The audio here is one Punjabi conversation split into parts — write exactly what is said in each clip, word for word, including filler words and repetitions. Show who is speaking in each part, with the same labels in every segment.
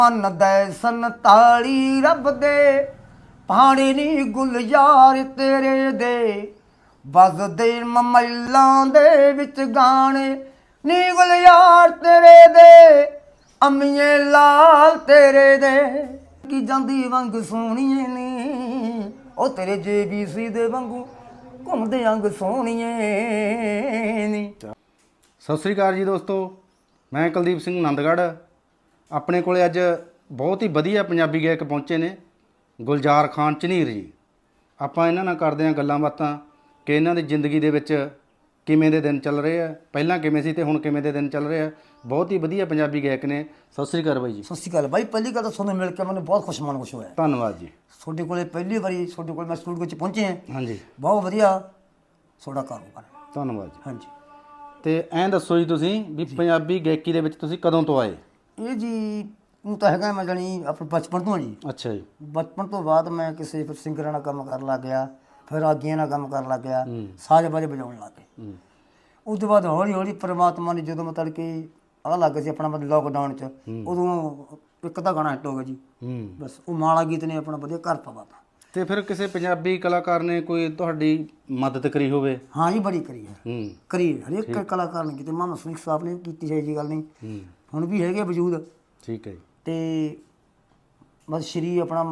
Speaker 1: मन दे संताली रब दे पानी नी गुलजार तेरे दे बजदे ममैलां दे विच गाने नी गुलजार तेरे दे अम्मीए लाल तेरे दे की जांदी वंग सोहणीए नी ओ तेरे जे बी सी दे वांगू घुमदे अंग सोहणीए नी।
Speaker 2: ਸਤਿ ਸ਼੍ਰੀ ਅਕਾਲ ਜੀ ਦੋਸਤੋ, ਮੈਂ ਕੁਲਦੀਪ ਸਿੰਘ ਆਨੰਦਗੜ੍ਹ। ਆਪਣੇ ਕੋਲੇ ਅੱਜ ਬਹੁਤ ਹੀ ਵਧੀਆ ਪੰਜਾਬੀ ਗਾਇਕ ਪਹੁੰਚੇ ਨੇ, ਗੁਲਜ਼ਾਰ ਖਾਨ ਝਨੀਰ ਜੀ। ਆਪਾਂ ਇਹਨਾਂ ਨਾਲ ਕਰਦੇ ਹਾਂ ਗੱਲਾਂ ਬਾਤਾਂ ਕਿ ਇਹਨਾਂ ਦੀ ਜ਼ਿੰਦਗੀ ਦੇ ਵਿੱਚ ਕਿਵੇਂ ਦੇ ਦਿਨ ਚੱਲ ਰਹੇ ਆ, ਪਹਿਲਾਂ ਕਿਵੇਂ ਸੀ ਤੇ ਹੁਣ ਕਿਵੇਂ ਦੇ ਦਿਨ ਚੱਲ ਰਹੇ ਆ। ਬਹੁਤ ਹੀ ਵਧੀਆ ਪੰਜਾਬੀ ਗਾਇਕ ਨੇ। ਸਤਿ ਸ਼੍ਰੀ ਅਕਾਲ ਬਾਈ ਜੀ।
Speaker 1: ਸਤਿ ਸ਼੍ਰੀ ਅਕਾਲ ਬਾਈ। ਪਹਿਲੀ ਗੱਲ ਤਾਂ ਤੁਹਾਨੂੰ ਮਿਲ ਕੇ ਮੈਨੂੰ ਬਹੁਤ ਖੁਸ਼ ਮਨ ਖੁਸ਼ ਹੋਇਆ।
Speaker 2: ਧੰਨਵਾਦ ਜੀ।
Speaker 1: ਤੁਹਾਡੇ ਕੋਲੇ ਪਹਿਲੀ ਵਾਰੀ ਤੁਹਾਡੇ ਕੋਲ ਮੈਂ ਸਟੂਡੀਓ 'ਚ ਪਹੁੰਚੇ ਹਾਂ।
Speaker 2: ਹਾਂਜੀ,
Speaker 1: ਬਹੁਤ ਵਧੀਆ ਤੁਹਾਡਾ ਕਾਰੋਬਾਰ।
Speaker 2: ਧੰਨਵਾਦ ਜੀ।
Speaker 1: ਹਾਂਜੀ,
Speaker 2: ਤੇ ਐਂ ਦੱਸੋ ਜੀ, ਤੁਸੀਂ ਵੀ ਪੰਜਾਬੀ ਗਾਇਕੀ ਦੇ ਵਿੱਚ ਤੁਸੀਂ ਕਦੋਂ ਤੋਂ ਆਏ?
Speaker 1: ਇਹ ਜੀ ਉਹ ਤਾਂ ਹੈਗਾ ਮੈਂ ਜਾਣੀ ਆਪਣੇ ਬਚਪਨ ਤੋਂ ਜੀ।
Speaker 2: ਅੱਛਾ ਜੀ।
Speaker 1: ਬਚਪਨ ਤੋਂ ਬਾਅਦ ਮੈਂ ਕਿਸੇ ਫਿਰ ਸਿੰਗਰਾਂ ਨਾਲ ਕੰਮ ਕਰਨ ਲੱਗ ਗਿਆ, ਫਿਰ ਆਗੀਆਂ ਨਾਲ ਕੰਮ ਕਰਨ ਲੱਗ ਗਿਆ, ਸਾਜ਼ ਬਾਜ ਵਜਾਉਣ ਲੱਗ ਗਏ। ਉਸ ਤੋਂ ਬਾਅਦ ਹੌਲੀ ਹੌਲੀ ਪਰਮਾਤਮਾ ਨੇ ਜਦੋਂ ਮਤਲਬ ਕਿ ਆਹ ਲੱਗ ਸੀ ਆਪਣਾ ਮਤਲਬ ਲੋਕਡਾਊਨ 'ਚ, ਉਦੋਂ ਇੱਕ ਤਾਂ ਗਾਣਾ ਹਿੱਟ ਹੋ ਗਿਆ ਜੀ। ਬਸ ਉਹ ਮਾਲਾ ਗੀਤ ਨੇ ਆਪਣਾ ਵਧੀਆ ਘਰ ਪਵਾਤਾ।
Speaker 2: ਤੇ ਫਿਰ ਕਿਸੇ ਪੰਜਾਬੀ ਕਲਾਕਾਰ ਨੇ ਕੋਈ ਤੁਹਾਡੀ ਮਦਦ ਕਰੀ ਹੋਵੇ?
Speaker 1: ਹਾਂ ਜੀ, ਬੜੀ ਕਰੀ ਹੈ।
Speaker 2: ਹੂੰ,
Speaker 1: ਕਰੀ ਹਰੇਕ ਕਲਾਕਾਰ ਨੇ ਕੀਤੀ। ਮਾਮਾ ਸਿੰਘ ਸਾਹਿਬ ਨੇ ਕੀਤੀ ਹੈ ਜੀ, ਗੱਲ ਨਹੀਂ ਹੁਣ ਵੀ ਹੈਗੇ ਵਜੂਦ।
Speaker 2: ਠੀਕ ਹੈ ਜੀ।
Speaker 1: ਤੇ ਬਸ ਸ਼੍ਰੀ ਆਪਣਾ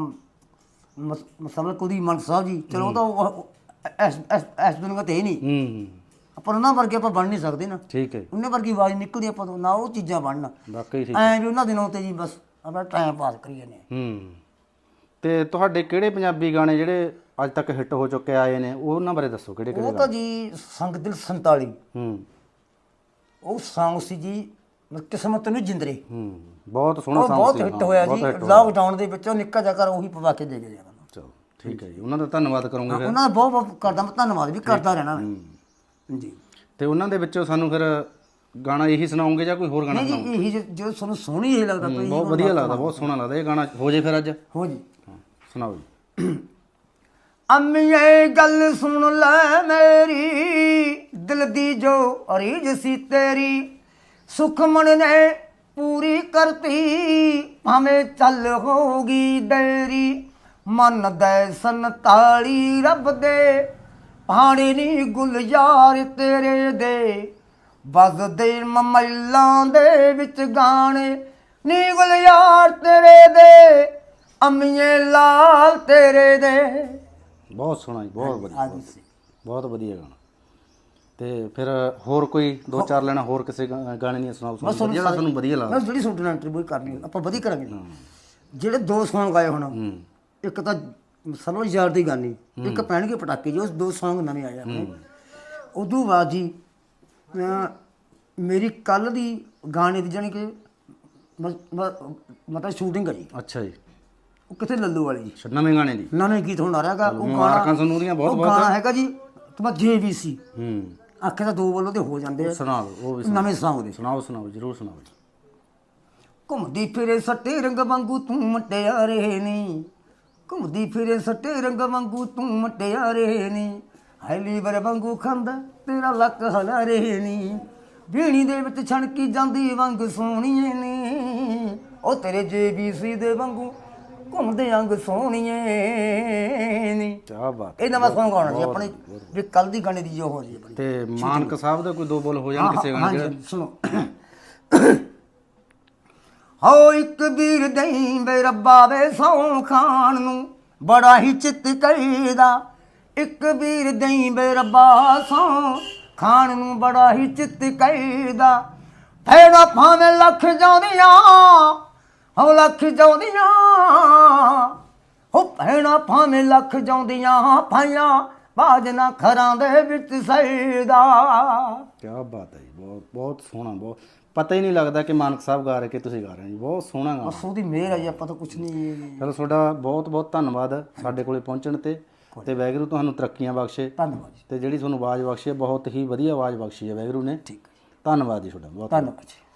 Speaker 1: ਮਸਲਾ ਕੁਲਦੀਪ ਮਾਨ ਸਾਹਿਬ ਜੀ, ਚਲੋ ਉਹ ਤਾਂ ਇਸ ਇਸ ਦੁਨੀਆ 'ਤੇ ਹੀ ਨਹੀਂ।
Speaker 2: ਹੂੰ,
Speaker 1: ਆਪਾਂ ਉਹਨਾਂ ਵਰਗੇ ਆਪਾਂ ਬਣ ਨਹੀਂ ਸਕਦੇ ਨਾ।
Speaker 2: ਠੀਕ ਹੈ।
Speaker 1: ਉਹਨਾਂ ਵਰਗੀ ਆਵਾਜ਼ ਨਿਕਲਦੀ ਆਪਾਂ ਤੋਂ ਨਾ, ਉਹ ਚੀਜ਼ਾਂ ਬਣਨ
Speaker 2: ਵਾਕਈ ਠੀਕ।
Speaker 1: ਐਂ ਵੀ ਉਹਨਾਂ ਦਿਨਾਂ 'ਤੇ ਜੀ ਬਸ ਆਪਣਾ ਟਾਈਮ ਪਾਸ ਕਰੀ ਜਾਂਦੇ।
Speaker 2: ਹੂੰ, ਤੇ ਤੁਹਾਡੇ ਕਿਹੜੇ ਪੰਜਾਬੀ ਗਾਣੇ ਜਿਹੜੇ ਅੱਜ ਤੱਕ ਹਿੱਟ ਹੋ ਚੁੱਕੇ ਆਏ ਨੇ, ਉਹਨਾਂ ਬਾਰੇ ਦੱਸੋ। ਕਿਹੜੇ ਕਿਹੜੇ?
Speaker 1: ਉਹ ਤਾਂ ਜੀ ਸੰਗ ਦਿਲ ਸੰਤਾਲੀ,
Speaker 2: ਹੂੰ,
Speaker 1: ਉਹ ਸੌਂਗ ਸੀ ਜੀ ਕਿਸਮਤ ਨੂੰ ਜਿੰਦਰੇ।
Speaker 2: ਹੂੰ, ਬਹੁਤ ਸੋਹਣਾ
Speaker 1: ਉਹ
Speaker 2: ਸੌਂਗ
Speaker 1: ਬਹੁਤ
Speaker 2: ਸੀ।
Speaker 1: ਹਿੱਟ ਹੋਇਆ ਜੀ ਲਾਕਡਾਊਨ ਦੇ ਵਿੱਚ। ਉਹ ਨਿੱਕਾ ਜਿਹਾ ਕਰ ਉਹੀ ਪਵਾ ਕੇ ਦੇ ਗਏ ਜੀ।
Speaker 2: ਚਲੋ ਠੀਕ ਹੈ ਜੀ, ਉਹਨਾਂ ਦਾ ਧੰਨਵਾਦ ਕਰੂੰਗਾ ਫਿਰ।
Speaker 1: ਉਹਨਾਂ ਦਾ ਬਹੁਤ ਬਹੁਤ ਕਰਦਾ ਮੈਂ, ਧੰਨਵਾਦ ਵੀ ਕਰਦਾ ਰਹਿਣਾ ਮੈਂ ਜੀ।
Speaker 2: ਤੇ ਉਹਨਾਂ ਦੇ ਵਿੱਚੋਂ ਸਾਨੂੰ ਫਿਰ ਗਾਣਾ ਇਹੀ ਸੁਣਾਉਂਗੇ ਜਾਂ ਕੋਈ ਹੋਰ ਗਾਣਾ?
Speaker 1: ਨਹੀਂ ਜੀ, ਇਹੀ ਜੋ ਤੁਹਾਨੂੰ ਸੋਹਣੀ ਇਹ ਲੱਗਦਾ ਪਈ,
Speaker 2: ਬਹੁਤ ਵਧੀਆ ਲੱਗਦਾ, ਬਹੁਤ ਸੋਹਣਾ ਲੱਗਦਾ ਇਹ ਗਾਣਾ। ਹੋ ਜੇ ਫਿਰ ਅੱਜ?
Speaker 1: ਹੋ ਜੀ,
Speaker 2: ਸੁਣਾਓ ਜੀ।
Speaker 1: ਅੰਮੀਏ ਗੱਲ ਸੁਣ ਲੈ ਮੇਰੀ, ਦਿਲ ਦੀ ਜੋ ਅਰੀਜ ਸੀ ਤੇਰੀ, ਸੁਖਮਨ ਨੇ ਪੂਰੀ ਕਰਤੀ, ਭਾਵੇਂ ਚੱਲ ਹੋਗੀ ਦੇਰੀ। ਮਨ ਦੇ ਸੰਤਾਲੀ ਰੱਬ ਦੇ ਪਾਣੀ ਨੀ ਗੁਲਜ਼ਾਰ ਤੇਰੇ ਦੇ, ਬਜਦੇ ਮਮੈਲਾਂ ਦੇ ਵਿੱਚ ਗਾਣੇ ਨੀ ਗੁਲਜ਼ਾਰ ਤੇਰੇ ਦੇ, ਅਮੀਏ ਲਾਲ ਤੇਰੇ ਦੇ।
Speaker 2: ਬਹੁਤ ਸੋਹਣਾ ਜੀ, ਬਹੁਤ ਵਧੀਆ, ਬਹੁਤ ਵਧੀਆ ਗਾਣਾ। ਤੇ ਫਿਰ ਹੋਰ ਕੋਈ ਦੋ ਚਾਰ ਲੈਣਾ ਹੋਰ ਕਿਸੇ ਗਾਣੇ ਦੀਆਂ ਸੁਣਾਓ ਜਿਹੜਾ ਤੁਹਾਨੂੰ ਵਧੀਆ ਲੱਗਦਾ।
Speaker 1: ਜਿਹੜੀ ਤੁਹਾਡੇ ਨਾਲ ਇੰਟਰਵਿਊ ਕਰਨੀ ਆਪਾਂ ਵਧੀਆ ਕਰਾਂਗੇ। ਜਿਹੜੇ ਦੋ ਸੌਂਗ ਆਏ ਹੁਣ, ਇੱਕ ਤਾਂ ਸਰਵ ਯਾਰ ਦੀ ਗਾਨੀ, ਇੱਕ ਪੈਣਗੇ ਪਟਾਕੇ ਜੀ। ਉਸ ਦੋ ਸੌਂਗ ਨਵੇਂ ਆਏ ਆਪਣੇ। ਉਦੋਂ ਬਾਅਦ ਜੀ ਮੇਰੀ ਕੱਲ ਦੀ ਗਾਣੇ ਦੀ ਜਾਣੀ ਕਿ ਮਤਲਬ ਸ਼ੂਟਿੰਗ ਹੈ ਜੀ।
Speaker 2: ਅੱਛਾ ਜੀ।
Speaker 1: ਉਹ ਕਿੱਥੇ ਲੱਲੂ ਵਾਲੀ ਜੀ,
Speaker 2: ਨਵੇਂ ਗਾਣੇ ਦੀ
Speaker 1: ਨਵੇਂ ਗੀਤ ਹੁਣ ਆ ਰਿਹਾ ਹੈਗਾ। ਉਹ
Speaker 2: ਮੁਬਾਰਕਾਂ ਤੁਹਾਨੂੰ ਉਹਦੀਆਂ ਬਹੁਤ ਬਹੁਤ।
Speaker 1: ਗਾਣਾ ਹੈਗਾ ਜੀ ਤੁਹਾਡਾ ਜੇ ਬੀ ਸੀ।
Speaker 2: ਹੂੰ,
Speaker 1: ਆਖੇ ਤਾਂ ਦੋ ਬੋਲੋ ਤੇ ਹੋ ਜਾਂਦੇ ਆ।
Speaker 2: ਸੁਣਾ ਦਿਓ ਉਹ ਵੀ,
Speaker 1: ਨਵੇਂ ਸੌਂਗ ਦੇ
Speaker 2: ਸੁਣਾਓ ਸੁਣਾਓ ਜ਼ਰੂਰ ਸੁਣਾਓ ਜੀ।
Speaker 1: ਘੁੰਮਦੀ ਫਿਰੇ ਸੱਟੇ ਰੰਗ ਵਾਂਗੂ ਤੂੰ ਮਟਿਆਰੇ ਨੀ, ਘੁੰਮਦੀ ਫਿਰੇ ਸੱਟੇ ਰੰਗ ਵਾਂਗੂ ਤੂੰ ਮਟਿਆਰੇ ਨੀ, ਹਾਈਲੀਵਰ ਵਾਂਗੂ ਖਾਂਦਾ ਤੇਰਾ ਲੱਕ ਹਲਾਰੇ ਨੀ, ਵੀਣੀ ਦੇ ਵਿੱਚ ਛਣਕੀ ਜਾਂਦੀ ਵੰਗ ਸੋਹਣੀਏ ਨੀ, ਉਹ ਤੇਰੇ ਜੇ ਬੀ ਸੀ ਦੇ ਵਾਂਗੂ ਘੁੰਮਦੇ ਅੰਗ ਸੋਹਣੀਏ ਨੀ।
Speaker 2: ਕੀ ਬਾਤ।
Speaker 1: ਇਹ ਨਵਾਂ ਸੌਂਗ ਆਉਣਾ ਜੀ ਆਪਣੇ ਵੀ ਕੱਲ ਦੀ ਗਾਣੇ ਦੀ ਜੋ ਹੋ ਰਹੀ ਹੈ।
Speaker 2: ਤੇ ਮਾਨਕ ਸਾਹਿਬ ਦਾ ਕੋਈ ਦੋ ਬੋਲ ਹੋ ਜਾਣ ਕਿਸੇ ਗਾਣੇ ਦੇ?
Speaker 1: ਸੁਣੋ। ਹੋ ਇੱਕ ਵੀਰ ਦਈ ਬੇ ਰੱਬਾ ਵੇ ਸੌਂ ਖਾਣ ਨੂੰ ਬੜਾ ਹੀ ਚਿੱਤ ਕਰੀਦਾ, ਇੱਕ ਵੀਰ ਦਈ ਬੇ ਰੱਬਾ ਸੌਂ ਖਾਣ ਨੂੰ ਬੜਾ ਹੀ ਚਿੱਤ ਕਰੀਦਾ, ਫੇੜਾ ਭਾਵੇਂ ਲੱਖ ਜਾਉਂਦੀਆਂ ਹੋ ਲੱਖ ਜਾਉਂਦੀਆਂ, ਹੋ ਭੈਣਾ ਭਾਵੇਂ ਲੱਖ ਜਾਉਂਦੀਆਂ ਪਾਈਆਂ ਬਾਜ ਨਾ ਖਰਾਂ ਦੇ ਵਿੱਚ ਸਈਦਾ।
Speaker 2: ਕੀ ਬਾਤ ਹੈ ਜੀ, ਬਹੁਤ ਬਹੁਤ ਸੋਹਣਾ। ਬਹੁਤ ਪਤਾ ਹੀ ਨਹੀਂ ਲੱਗਦਾ ਕਿ ਮਾਨਕ ਸਾਹਿਬ ਗਾ ਰਹੇ ਕਿ ਤੁਸੀਂ ਗਾ ਰਹੇ ਹੋ ਜੀ। ਬਹੁਤ ਸੋਹਣਾ ਗਾਣਾ।
Speaker 1: ਬਸ ਉਹਦੀ ਮਿਹਰ ਹੈ ਜੀ, ਆਪਾਂ ਤਾਂ ਕੁਛ ਨਹੀਂ।
Speaker 2: ਚਲੋ ਤੁਹਾਡਾ ਬਹੁਤ ਬਹੁਤ ਧੰਨਵਾਦ ਸਾਡੇ ਕੋਲੇ ਪਹੁੰਚਣ ਤੇ ਤੇ ਵਾਹਿਗੁਰੂ ਤੁਹਾਨੂੰ ਤਰੱਕੀਆਂ ਬਖਸ਼ੇ।
Speaker 1: ਧੰਨਵਾਦ ਜੀ।
Speaker 2: ਤੇ ਜਿਹੜੀ ਤੁਹਾਨੂੰ ਆਵਾਜ਼ ਬਖਸ਼ੀ ਹੈ, ਬਹੁਤ ਹੀ ਵਧੀਆ ਆਵਾਜ਼ ਬਖਸ਼ੀ ਹੈ ਵਾਹਿਗੁਰੂ ਨੇ।
Speaker 1: ਠੀਕ,
Speaker 2: ਧੰਨਵਾਦ ਜੀ ਤੁਹਾਡਾ ਬਹੁਤ।
Speaker 1: ਧੰਨਵਾਦ ਜੀ।